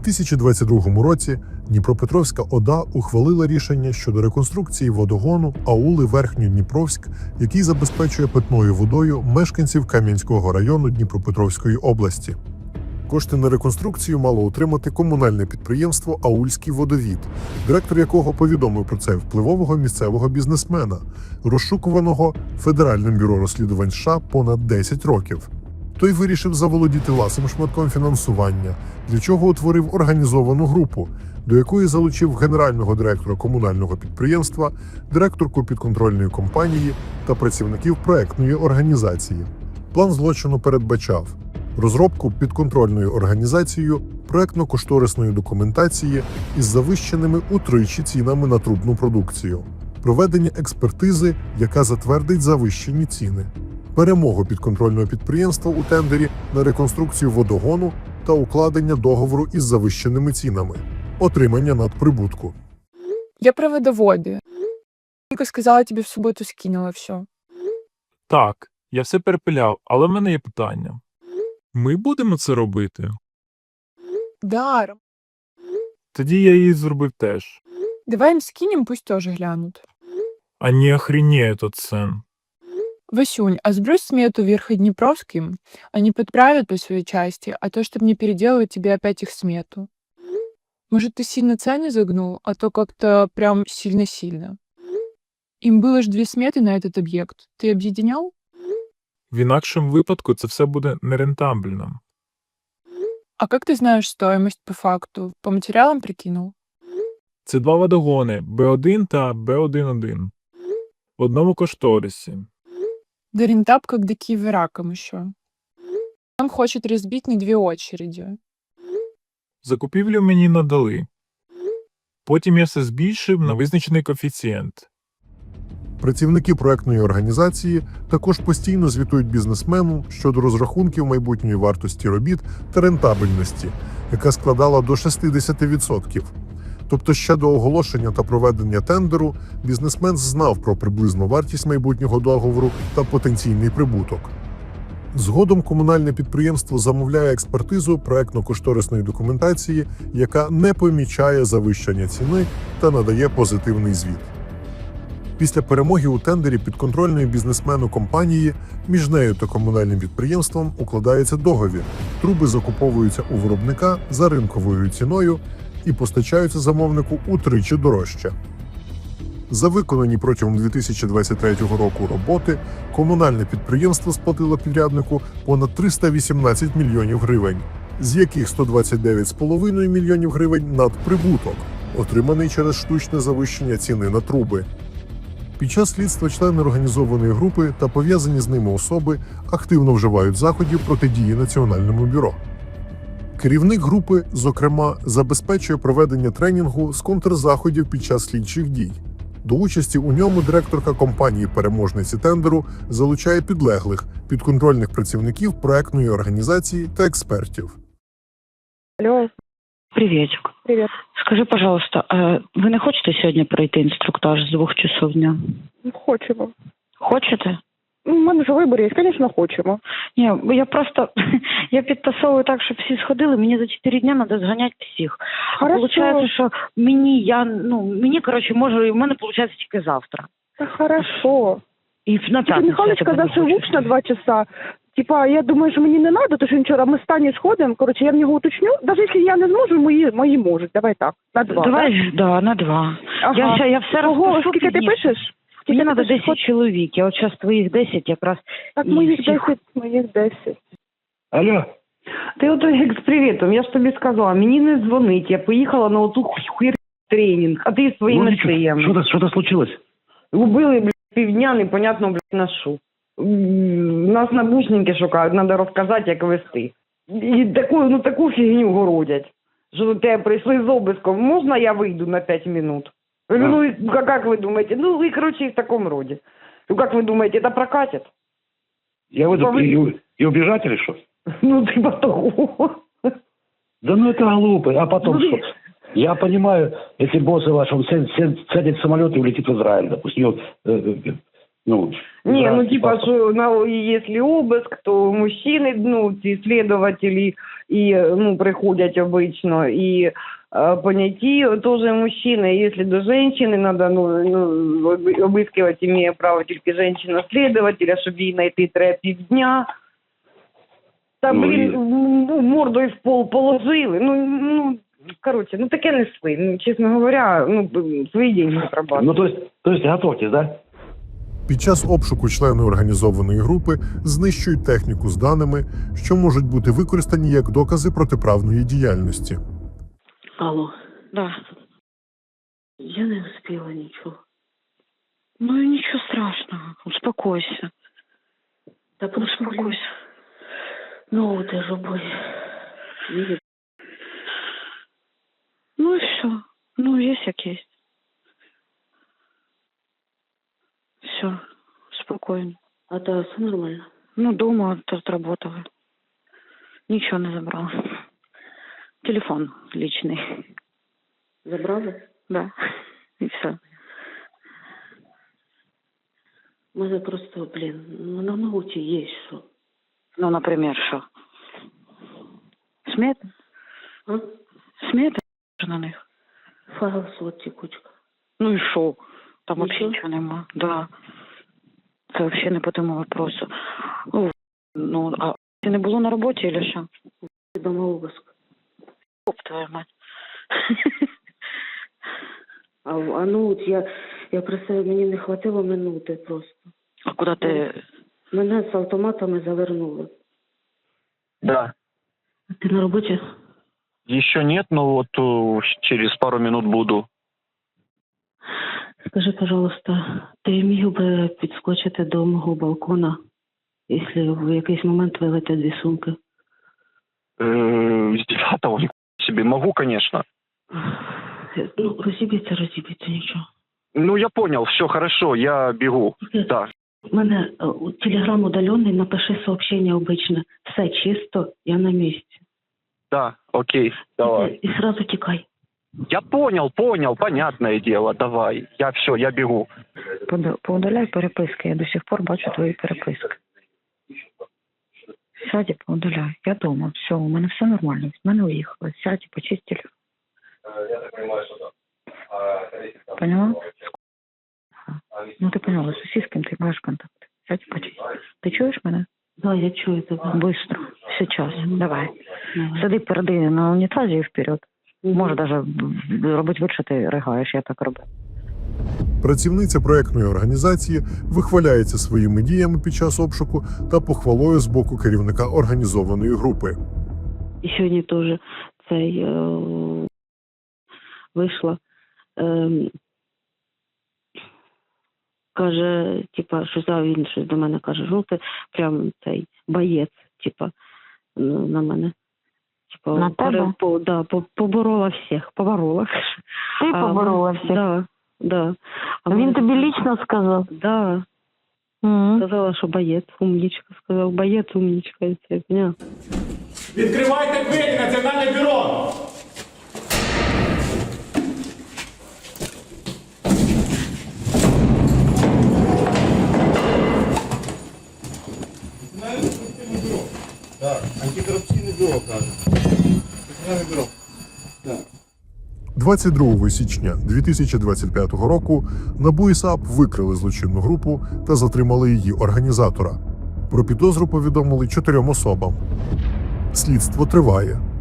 2022 році Дніпропетровська ОДА ухвалила рішення щодо реконструкції водогону аули Верхньодніпровськ, який забезпечує питною водою мешканців Кам'янського району Дніпропетровської області. Кошти на реконструкцію мало отримати комунальне підприємство «Аульський водовід», директор якого повідомив про це впливового місцевого бізнесмена, розшукуваного Федеральним бюро розслідувань США понад 10 років. Той вирішив заволодіти ласим шматком фінансування, для чого утворив організовану групу, до якої залучив генерального директора комунального підприємства, директорку підконтрольної компанії та працівників проектної організації. План злочину передбачав розробку підконтрольною організацією проектно-кошторисної документації із завищеними утричі цінами на трубну продукцію, проведення експертизи, яка затвердить завищені ціни, перемогу підконтрольного підприємства у тендері на реконструкцію водогону та укладення договору із завищеними цінами, отримання надприбутку. Я про водоводы. Ника сказала, тебе в суботу скинула все. Так, я все перепиляв, але в мене є питання. Ми будемо це робити? Да, Тоді я її зробив теж. давай им скинем, пусть тоже глянут. А не охренеє тот цен. Васюнь, а сбрось смету Верхнеднепровским, они подправят по своей части, а то, чтобы не переделывать тебе опять их смету. Может, ты сильно цены загнул, а то как-то прям сильно-сильно. Им было ж 2 сметы на этот объект. Ты объединял? В інакшому випадку це все буде нерентабельно. А как ты знаешь стоимость по факту? По материалам прикинул? Це 2 водогони Б1 та Б1-1. В одному кошторисі. Да рентаб как до Киева раком еще. Он хочет разбить на 2 очереди. Закупівлю мені надали. Потім я все збільшив на визначений коефіцієнт. Працівники проектної організації також постійно звітують бізнесмену щодо розрахунків майбутньої вартості робіт та рентабельності, яка складала до 60%. Тобто ще до оголошення та проведення тендеру бізнесмен знав про приблизну вартість майбутнього договору та потенційний прибуток. Згодом комунальне підприємство замовляє експертизу проектно-кошторисної документації, яка не помічає завищення ціни та надає позитивний звіт. Після перемоги у тендері підконтрольної бізнесмену компанії між нею та комунальним підприємством укладається договір. Труби закуповуються у виробника за ринковою ціною і постачаються замовнику утричі дорожче. За виконані протягом 2023 року роботи комунальне підприємство сплатило підряднику понад 318 мільйонів гривень, з яких 129,5 мільйонів гривень надприбуток, отриманий через штучне завищення ціни на труби. Під час слідства члени організованої групи та пов'язані з ними особи активно вживають заходів протидії Національному бюро. Керівник групи, зокрема, забезпечує проведення тренінгу з контрзаходів під час слідчих дій. До участі у ньому директорка компанії-переможниці тендеру залучає підлеглих, підконтрольних працівників проектної організації та експертів. Алло, Приветик. привет. Скажи, пожалуйста, а ви не хочете сьогодні пройти інструктаж з 2 часов дня? Хочемо. Хочете? Ну, у мене ж вибір є, звісно, хочемо. Ні, бо я просто я підтасовую так, щоб всі сходили. Мені за 4 дня треба зганяти всіх. Получається, що мені, коротше, може, в мене виходить тільки завтра. Та хорошо. І на Тільки п'ятницю Михайлович я тебе казав, не що хочу. луч на 2 часа. Типа, я думаю, що мені не треба, тому що вчора ми з Танею сходимо. Коротше, я в нього уточню. Навіть якщо я не зможу, мої можуть. Давай так, на 2. Давай, да, на 2. Ага. Я все Ого, розпишу. скільки ти пізніше. пишеш? Мені Скільки треба ти пишеш? 10 чоловік. Я от зараз твоїх 10 якраз. Так, і моїх всіх. 10, моїх 10. Алло. Ти ото як з привітом, я ж тобі сказала, мені не дзвонить, я поїхала на оту хуйр тренінг, а ти своїми Лунечка, шиями. что-то случилось? Убили, блядь, півдня, непонятно, блядь, на що. Нас набушники шукають, треба розказати, як вести. І таку фігню городять, що до тебе прийшли з обыском. Можна я вийду на 5 минут? Я говорю, ну, як ви думаєте? Ну, і, короче, в такому роді. Ну, як ви думаєте, це прокатить? Я выйду и убежать или что? Ну, типа того. Да ну это глупо, а потом Ну, что? Я понимаю, если боссы ваши, он сядет в самолет и улетит в Израиль, допустим, Ну, Не, ну гражданский типа, паспорт. что если обыск, то мужчины, ну, ці следователи, ну, приходят обычно, и понятие тоже мужчина. Если до женщины надо, обыскивать, имея право только женщина-следователя, щоб її знайти треба півдня. Та, Ну, блін, і- мордою в пол положили. Короче, таке несли. Чесно говоря, свої деньги отрабатывали. Ну, то есть готовьтесь, да? Під час обшуку члени організованої групи знищують техніку з даними, що можуть бути використані як докази протиправної діяльності. Алло, Да. я не успела ничего. Ну и ничего страшного. Успокойся. Да просто, блин, Успокойся. ну ты же бой. Видишь? Ну и все. Ну, есть как есть. Все. Спокойно. А да, все нормально. Ну, дома отработала. Ничего не забрала. Телефон личный. Забрали? Да. И все. У мене просто, блін, ну на ноуті є що. Ну, например, что? Смета? А? Смета на них. Файл слот текучка. Ну и шо? Там вообще Нічого? ничего нема. Да. Это вообще не по тому вопросу. Ну, а ты не было на работе или что? Дома обыск. Оп, твою мать. А ноут я просто, мені не хватило минути просто. А куда ты? Мене з автоматами завернули. Да. Ти на роботі? Еще нет, но вот через пару минут буду. Скажи, пожалуйста, ти міг би підскочити до мого балкона, якщо в якийсь момент вилетять 2 сумки? С 9-го себе могу, конечно. Ну, розіб'ється, нічого. Ну, я понял, все хорошо, я бегу. Да. У мене телеграм удалений, напиши сообщение обычно. Все чисто, я на місці. Да, окей, давай. І сразу тікай. Я понял, понятное дело, давай. Я бегу. Поудаляй переписки. Я до сих пор бачу твої переписки. Сядь і поудаляй. Я дома. Все, у мене все нормально. В мене уїхали. Сядь і почисть телефон. Поняла? Ну, ти поняла, з ким ти маєш контакт. Сядь і почисть. Ти чуєш мене? Да, я чую тебе. Быстро. Сейчас. Давай. Давай. Сиди переди на унітазі і вперед. Може навіть робити вид, що ти ригаєш, я так роблю. Працівниця проектної організації вихваляється своїми діями під час обшуку та похвалою з боку керівника організованої групи. І сьогодні теж цей вийшла. Каже, типа, що він щось до мене каже, ну ти прям цей боєць, типа, на мене. Типа, На тебе? Поборола всіх, поборола. Ти поборола всіх? Да. А Він тобі лично сказав? Да. Сказала, що боєць, умнічка. Сказав, боєць, умнічка. І це, поняла? Відкривайте двері, Національне бюро! Так, антикоррупційне бюро, кажуть. Національне бюро. 22 січня 2025 року НАБУ і САП викрили злочинну групу та затримали її організатора. Про підозру повідомили 4 особам. Слідство триває.